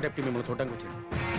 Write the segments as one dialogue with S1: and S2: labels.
S1: Deputy మిమ్మల్ని చూడడానికి వచ్చింది.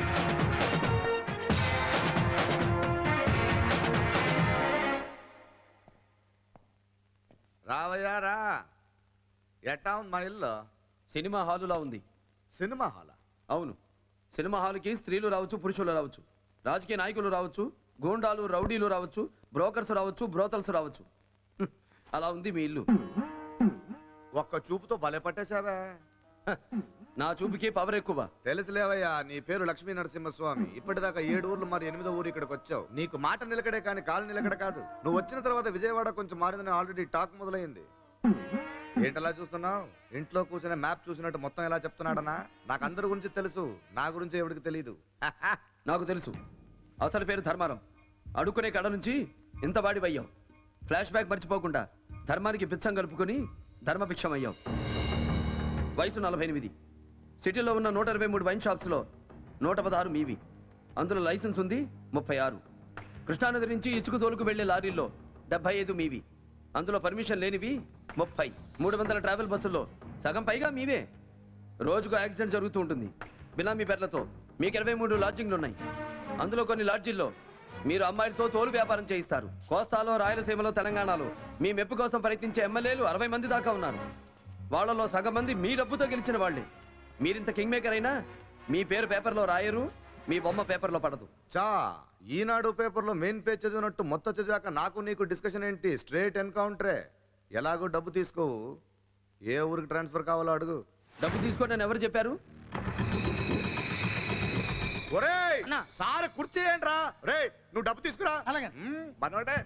S2: రావయ్యా రా. ఎట్టా ఉంది మా ఇల్లు?
S3: సినిమా హాలులా ఉంది.
S2: సినిమా హాలా?
S3: అవును. సినిమా హాలుకి స్త్రీలు రావచ్చు, పురుషులు రావచ్చు, రాజకీయ నాయకులు రావచ్చు, గూండాలు రౌడీలు రావచ్చు, బ్రోకర్స్ రావచ్చు, బ్రోతల్స్ రావచ్చు. అలా ఉంది మీ ఇల్లు.
S2: ఒక్క చూపుతో భలే పట్టేశావే.
S3: నా చూపుకి పవర్ ఎక్కువ.
S2: తెలుసులేవయ్యా, నీ పేరు లక్ష్మీ నరసింహస్వామి. ఇప్పటిదాకా 7 ఊర్లు మరి 8వ ఊరు ఇక్కడికి వచ్చావు. నీకు మాట నిలకడే కానీ కాలు నిలకడ కాదు. నువ్వు వచ్చిన తర్వాత విజయవాడ కొంచెం మారిందని ఆల్రెడీ టాక్ మొదలైంది. ఏంటలా చూస్తున్నావు? ఇంట్లో కూర్చునే మ్యాప్ చూసినట్టు మొత్తం ఎలా చెప్తున్నాడనా? నాకు అందరి గురించి తెలుసు, నా గురించి ఎవరికి తెలియదు.
S3: నాకు తెలుసు. అసలు పేరు ధర్మారావు. అడుక్కునే కడ నుంచి ఇంత బాడివయ్యావు. ఫ్లాష్ బ్యాక్ మర్చిపోకుండా ధర్మానికి పిచ్చం కలుపుకొని ధర్మభిక్షం అయ్యావు. వయసు 48. సిటీలో ఉన్న 123 వైన్ షాప్స్లో 116 మీవి. అందులో లైసెన్స్ ఉంది 36. కృష్ణానది నుంచి ఇసుక తోలుకు వెళ్లే లారీల్లో 75 మీవి. అందులో పర్మిషన్ లేనివి 30. 300 ట్రావెల్ బస్సుల్లో సగం పైగా మీవే. రోజుకు యాక్సిడెంట్ జరుగుతూ ఉంటుంది. బినామీ పేర్లతో మీకు 23 లాడ్జింగ్లు ఉన్నాయి. అందులో కొన్ని లాడ్జిల్లో మీరు అమ్మాయిలతో తోలు వ్యాపారం చేయిస్తారు. కోస్తాలో, రాయలసీమలో, తెలంగాణలో మీ మెప్పు కోసం ప్రయత్నించే ఎమ్మెల్యేలు 60 మంది దాకా ఉన్నారు. వాళ్లలో సగం మంది మీ డబ్బుతో గెలిచిన వాళ్లే. మీరింత కింగ్ మేకర్ అయినా మీ పేరు పేపర్లో రాయరు, మీ బొమ్మ పేపర్లో పడదు.
S2: చా, ఈనాడు పేపర్లో మెయిన్ పేజ్ చదివినట్టు మొత్తం చదివాక నాకు నీకు డిస్కషన్ ఏంటి? స్ట్రేట్ ఎన్కౌంటరే. ఎలాగో డబ్బు తీసుకోవు. ఏ ఊరికి ట్రాన్స్ఫర్ కావాలో అడుగు.
S3: డబ్బు తీసుకోండి ఎవరు చెప్పారు?
S2: ఒరేయ్, సార్ కుర్చీ ఏంట్రా? రే, నువ్వు డబ్బు తీసుకురా. మనోడే.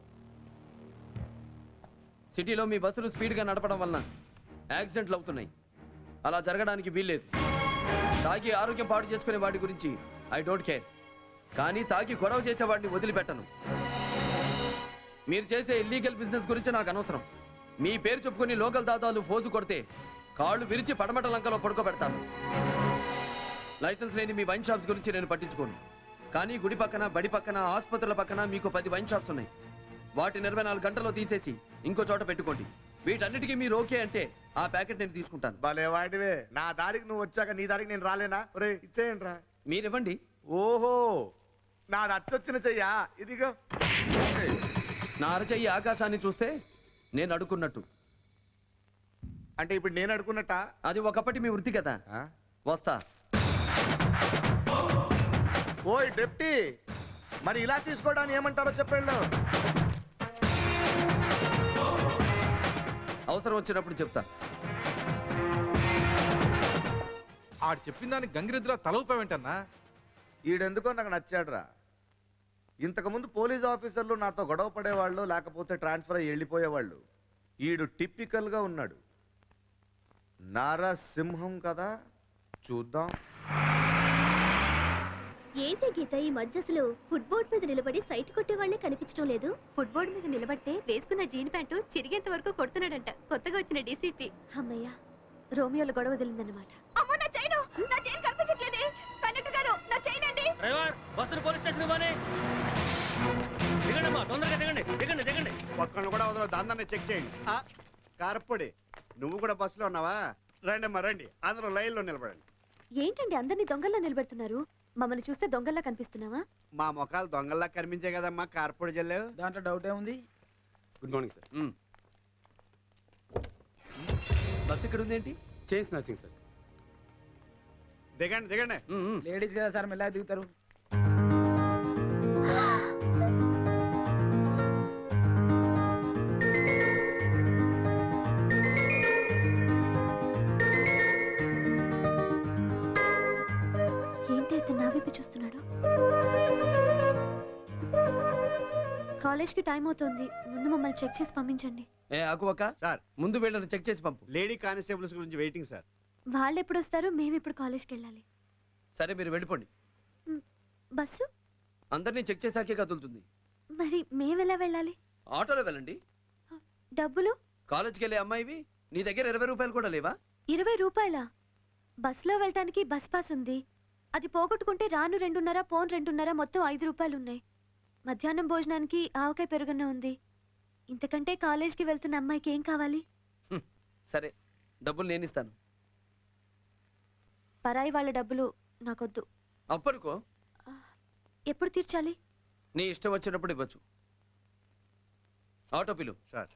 S3: సిటీలో మీ బస్సులు స్పీడ్గా నడపడం వలన యాక్సిడెంట్లు అవుతున్నాయి. అలా జరగడానికి వీల్లేదు. తాగి ఆరోగ్యం పాడు చేసుకునే వాడి గురించి ఐ డోంట్ కేర్. కానీ తాగి గొడవ చేసేవాడిని వదిలిపెట్టను. మీరు చేసే ఇల్లీగల్ బిజినెస్ గురించి నాకు అనవసరం. మీ పేరు చెప్పుకుని లోకల్ దాదాలు ఫోజు కొడితే కాళ్ళు విరిచి పడమట లంకలో పడుకోబెడతాను. లైసెన్స్ లేని మీ వైన్ షాప్స్ గురించి నేను పట్టించుకోను. కానీ గుడి పక్కన, బడి పక్కన, ఆసుపత్రుల పక్కన మీకు 10 వైన్ షాప్స్ ఉన్నాయి. వాటిని 24 గంటల్లో తీసేసి ఇంకో చోట పెట్టుకోండి. వీటన్నిటికీ మీరు ఓకే అంటే ఆ ప్యాకెట్ నేను తీసుకుంటాను.
S2: భలే వాడివే. నా దారికి నువ్వు వచ్చాక నీ దారికి నేను రాలేనా? ఒరే, ఇచ్చేయండి రా.
S3: మీరివ్వండి.
S2: ఓహో, నాది అచ్చొచ్చిన చెయ్యా. ఇదిగో.
S3: నా అరచెయ్యి ఆకాశాన్ని చూస్తే నేను అడుక్కున్నట్టు.
S2: అంటే ఇప్పుడు నేను అడుకున్నట్ట?
S3: అది ఒకప్పటి మీ వృత్తి కదా. వస్తా.
S2: ఓయ్ డెప్టీ, మరి ఇలా తీసుకోవడానికి ఏమంటారో చెప్పండి.
S3: అవసరం వచ్చినప్పుడు చెప్తా.
S4: ఆడు చెప్పిన దానికి గంగిరెద్దులా తలవుతావేంటన్నా?
S2: ఈడెందుకో నాకు నచ్చాడురా. ఇంతకుముందు పోలీస్ ఆఫీసర్లు నాతో గొడవ పడేవాళ్ళు, లేకపోతే ట్రాన్స్ఫర్ అయ్యి వెళ్ళిపోయేవాళ్ళు. ఈడు టిపికల్గా ఉన్నాడు. నరసింహం కదా, చూద్దాం.
S5: ఏంటి గీత, ఈ మధ్య అసలు ఫుట్బోర్డ్ మీద నిలబడి సైట్ కొట్టే వాళ్ళే కనిపించడం లేదు. ఫుట్బోర్డ్ మీద నిలబడితే వేసుకున్న జీన్ ప్యాంటు చిరిగేంత వరకు కొడుతున్నాడంట కొత్తగా వచ్చిన డీసీపీ. అమ్మయ్య, రోమియోలో గొడవ వదిలిందన్నమాట. అమ్మో, నా చైన్ కనిపించట్లేదే. కండక్టర్ గారు, నా చైన్ అండి.
S6: డ్రైవర్, బస్సును పోలీస్ స్టేషన్ పోనీ. దిగండి, తొందరగా దిగండి, దిగండి దిగండి.
S2: ఒక్కళ్ళు కూడా వదలదు, దాన్ని చెక్ చేయండి. కార్పొడి, నువ్వు కూడా బస్సులో ఉన్నావా? రండి అమ్మా రండి, అందరూ లైన్లో నిలబడండి.
S5: ఏంటండి అందరినీ దొంగల్లా నిలబెడుతున్నారు? మమ్మల్ని చూస్తే దొంగల్లా కనిపిస్తున్నావా?
S2: మా ముఖాలు దొంగల్లా కనిపించే కదమ్మా కార్పొడి జల్లేవు.
S1: దాంట్లో డౌట్ ఏముంది? Good morning sir.
S3: బస్ ఇక్కడ ఉంది ఏంటి?
S1: Chain snatching sir.
S2: దిగండి దిగండి.
S1: లేడీస్ కదా సార్, మెల్లగా దిగుతారు.
S5: చూస్తున్నాడు. కాలేజ్కి టైం అవుతుంది, ముందు మమ్మల్ని చెక్ చేసి పంపించండి.
S2: సార్,
S3: ముందు వీళ్ళని చెక్ చేసి పంపు.
S2: లేడీ కానిస్టేబుల్స్ గురించి వెయిటింగ్ సార్.
S5: వాళ్ళు ఎప్పుడు వస్తారు? మేము ఇప్పుడు కాలేజ్కి వెళ్ళాలి.
S3: సరే, మీరు వెళ్ళిపోండి.
S5: బస్సు
S3: అందరినీ చెక్ చేసాకే కదులుతుంది.
S5: మరి మేము ఎలా వెళ్ళాలి?
S3: ఆటోలో వెళ్ళండి.
S5: డబ్బులు?
S3: కాలేజ్కి వెళ్ళే అమ్మాయివి, నీ దగ్గర 20 రూపాయలు కూడా లేవా?
S5: 20 రూపాయలా? బస్సులో వెళ్ళటానికి బస్ పాస్ ఉంది. అది పోగొట్టుకుంటే రాను 2.5, పోను 2.5, మొత్తం 5 రూపాయలు ఉన్నాయి. మధ్యాహ్నం భోజనానికి ఆవకాయ పెరుగున్న ఉంది. ఇంతకంటే కాలేజ్కి వెళ్తున్న అమ్మాయికి ఏం కావాలి?
S3: సరే, డబ్బులు నేను ఇస్తాను.
S5: పరాయి వాళ్ళ డబ్బులు నాకొద్దు.
S3: అప్పనుకో
S5: ఎప్పుడు తీర్చాలి?
S3: నీ ఇష్టం వచ్చినప్పుడు ఇవ్వచ్చు. ఆటో పిలు.
S7: సార్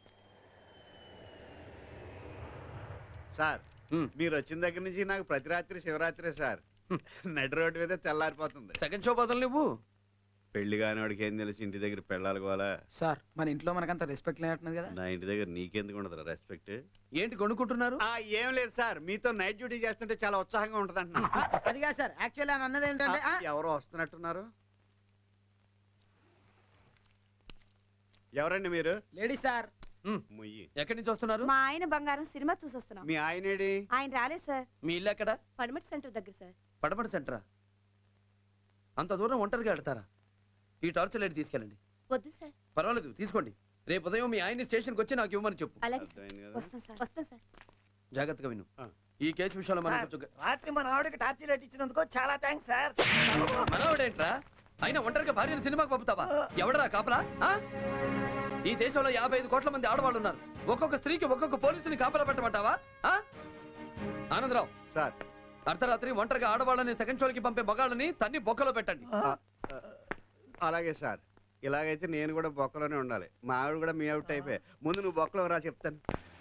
S7: సార్
S3: హ్మ్.
S7: మీరు వచ్చిన దగ్గర నుంచి నాకు ప్రతి రాత్రి శివరాత్రి సార్. నడి రోడ్డు మీద తెల్లారిపోతుంది.
S3: సెకండ్ షో బదులు నువ్వు
S7: పెళ్లి కానివాడికి ఏం తెలిసి ఇంటి దగ్గర పెళ్ళాలి కోలా.
S1: సార్ మన ఇంట్లో మనకంత రెస్పెక్ట్ లేనట్టున్నది కదా.
S7: నా ఇంటి దగ్గర నీకెందుకు ఉండదు రెస్పెక్ట్?
S3: ఏంటి కొనుక్కుంటున్నారు?
S7: ఏం లేదు సార్, మీతో నైట్ డ్యూటీ చేస్తుంటే చాలా ఉత్సాహంగా ఉంటది అంటున్నా.
S1: అది కాదు సార్, యాక్చువల్లీ అని అన్నది ఏంటంటే
S7: ఎవరో వస్తున్నట్టున్నారు. ఎవరండి మీరు?
S1: Ladies sir.
S7: ముయ్యి.
S3: ఎక్కడి నుంచి వస్తున్నారు?
S8: మా ఆయన బంగారం సినిమా చూసొస్తున్నాం.
S7: మీ ఆయనేడి?
S8: ఆయన రాలేదు సార్.
S3: మీ ఇల్లు ఎక్కడ?
S8: పడమటి సెంటర్ దగ్గర సార్.
S3: పడమటి సెంటరా? అంత దూరం ఒంటరిగా వెళ్తారా? ఈ టార్చర్ లైట్ తీసుకెళ్ళండి.
S8: వద్దు సార్.
S3: పర్వాలేదు, తీసుకోండి. రేపు ఉదయం మీ ఆయన్ని స్టేషన్కి వచ్చి నాకు ఇవ్వమని చెప్పు.
S8: అలాగే సార్.
S7: అర్థమైంది కదా?
S8: వస్తాం సార్. వస్తాం సార్.
S3: జాగ్రత్తగా విను.
S7: ఆ.
S3: ఈ కేసు విషయంలో మనం కొంచెం
S9: రాత్రి మన ఆవిడకి టార్చీ లైట్ ఇచ్చినందుకు చాలా థ్యాంక్స్ సార్.
S3: మనవాడేంట్రా? అయినా ఒంటరిగా భార్యను సినిమాకి పంపుతావా? ఎవడరా కాపలా? ఆ? ఈ దేశంలో 55 కోట్ల మంది ఆడవాళ్ళు ఉన్నారు. ఒక్కొక్క స్త్రీకి ఒక్కొక్క పోలీసుని కాపలా పెట్టమంటావా? ఆ? ఆనందరావు
S7: సార్
S3: అర్ధరాత్రి ఒంటరిగా ఆడవాళ్ళని సెకండ్ షోలకి పంపే మగాళ్ళని తన్ని బొక్కలో పెట్టండి.
S7: అలాగే సార్. ఇలాగైతే నేను కూడా బొక్కలోనే ఉండాలి. మా ఆవిడ కూడా మీ ఆవిడ టైపే. ముందు నువ్వు బొక్కలో రా చెప్తాను.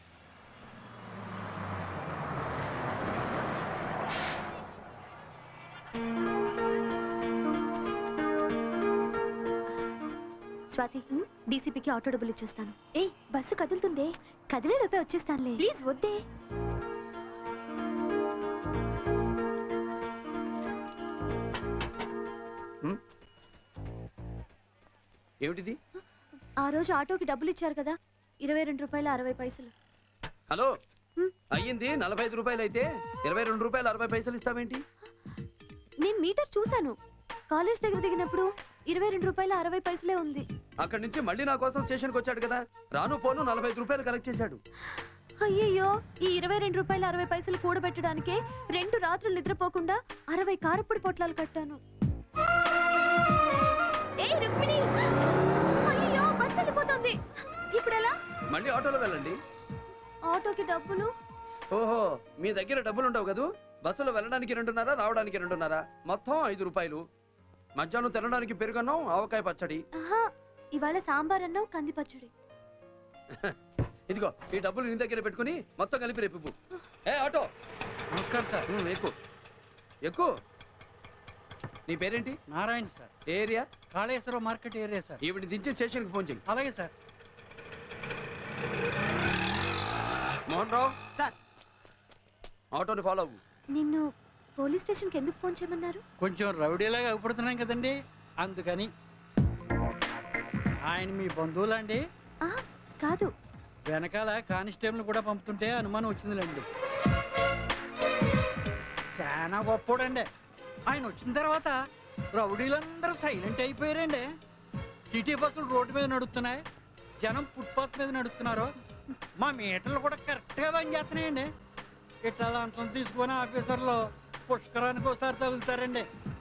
S5: స్వాతి, డీసీపీకి ఆటో డబ్బులు ఇచ్చేస్తాను. ఏ బస్సు కదులుతుందే. కదిలే రూపాయి వచ్చేస్తానులే. ప్లీజ్ వద్దే.
S3: ఏమిటిది?
S5: ఆ రోజు ఆటోకి డబ్బులు ఇచ్చారు కదా, 22 రూపాయలు 60 పైసలు.
S3: హలో, అయ్యింది 45 రూపాయలు అయితే 22 రూపాయలు 60 పైసలు ఇస్తావేంటి?
S5: నేను మీటర్ చూశాను. కాలేజ్ దగ్గర దిగినప్పుడు 22 రూపాయలు 60 పైసలే ఉంది.
S3: అక్కడి నుంచి మళ్ళీ నా కోసం స్టేషన్కి వచ్చాడు కదా, రాను పోను 45 రూపాయలు కలెక్ట్ చేశాడు.
S5: అయ్యయ్యో, ఈ 22 రూపాయలు 60 పైసలు కూడబెట్టడానికే 2 రాత్రులు నిద్రపోకుండా 60 కారప్పొడి పొట్లాలు కట్టాను. ఏయ్ రుక్మిణి! అయ్యో, బస్సు వెళ్ళిపోతుంది. ఇప్పుడు ఎలా?
S3: మళ్ళీ ఆటోలో వెళ్ళండి.
S5: ఆటోకి డబ్బులు?
S3: ఓహో, మీ దగ్గర డబ్బులు ఉండవు కదూ. బస్సులో వెళ్ళడానికి 2.5, రావడానికి 2.5, మొత్తం 5 రూపాయలు. మధ్యాహ్నం తినడానికి పెరుగన్నం, ఆవకాయ పచ్చడి.
S5: ఆహా, ఇవాళ సాంబార్ అన్నం, కంది పచ్చడి.
S3: ఇదిగో ఈ డబ్బులు నీ దగ్గర పెట్టుకుని మొత్తం కలిపి రేపు ఇవ్వు. ఏ ఆటో!
S9: నమస్కారం సార్.
S3: ఎక్కువ ఎక్కువ. నీ పేరేంటి?
S9: నారాయణ సార్.
S3: ఏ area?
S9: Kaleshwaram market area sir.
S3: ఈవిడ దించి స్టేషన్కి ఫోన్ చెయ్యి.
S9: అలాగే సార్.
S3: మోహన్ రావు
S1: సార్.
S3: ఆటోని ఫాలో అవ్వు.
S5: నిన్ను పోలీస్ స్టేషన్కి ఎందుకు ఫోన్ చేయమన్నారు?
S9: కొంచెం రౌడీలాగా అగుపడుతున్నాం కదండి, అందుకని. ఆయన మీ బంధువులండి?
S5: కాదు.
S9: వెనకాల కానిస్టేబుల్ కూడా పంపుతుంటే అనుమానం వచ్చిందిలేండి. చాలా గొప్పోడండి. ఆయన వచ్చిన తర్వాత రౌడీలందరూ సైలెంట్ అయిపోయారండి. సిటీ బస్సులు రోడ్డు మీద నడుస్తున్నాయి, జనం ఫుట్పాత్ మీద నడుస్తున్నారు. మా మీటర్లు కూడా కరెక్ట్గా పనిచేస్తున్నాయండి. ఇట్లా లంచం తీసుకొని ఆఫీసర్లు పుష్కరానికి ఒకసారి తగులుతారండి.